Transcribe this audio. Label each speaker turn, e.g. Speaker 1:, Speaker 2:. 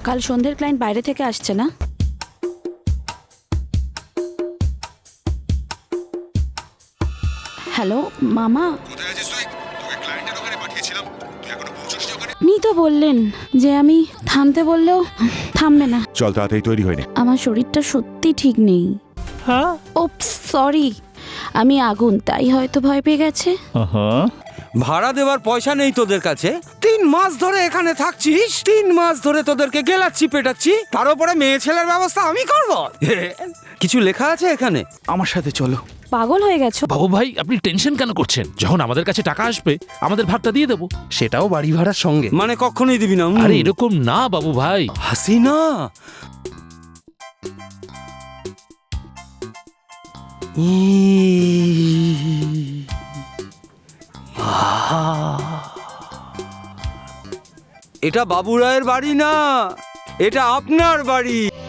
Speaker 1: কাল সন্ধ্যের ক্লায়েন্ট বাইরে থেকে আসছে না? হ্যালো মামা,
Speaker 2: কোথায় আছিস তুই? তোকে ক্লায়েন্টের ওখানে পাঠিয়েছিলাম, তুই এখনো পৌঁছসনি ওখানে?
Speaker 1: আপনি তো বললেন যে আমি থামতে বললেও থামবে না।
Speaker 2: চল তাড়াতাড়ি তৈরি হয়নি।
Speaker 1: আমার শরীরটা সত্যি ঠিক নেই।
Speaker 3: হ্যাঁ
Speaker 1: ওপস সরি, আমি আগুন তাই হয়তো ভয় পেয়ে গেছে।
Speaker 4: ভাড়া দেওয়ার পয়সা নেই তোদের কাছে? 3 মাস ধরে এখানে থাকছিস, 3 মাস ধরে তোদেরকে গেলাচ্ছি পেটাচ্ছি, তার উপরে মেয়ে ছেলের ব্যবস্থা আমি করব? কিছু লেখা আছে এখানে?
Speaker 3: আমার সাথে চলো।
Speaker 1: পাগল হয়ে গেছো?
Speaker 5: বাবু ভাই, আপনি টেনশন কেন করছেন? যখন আমাদের কাছে টাকা আসবে আমাদের ভাগটা দিয়ে দেবো, সেটাও বাড়ি ভাড়ার সঙ্গে।
Speaker 4: মানে কখনোই দিবি না?
Speaker 5: আরে এরকম না বাবু ভাই।
Speaker 4: হাসিনা, এটা বাবু রায়ের বাড়ি না, এটা আপনার বাড়ি।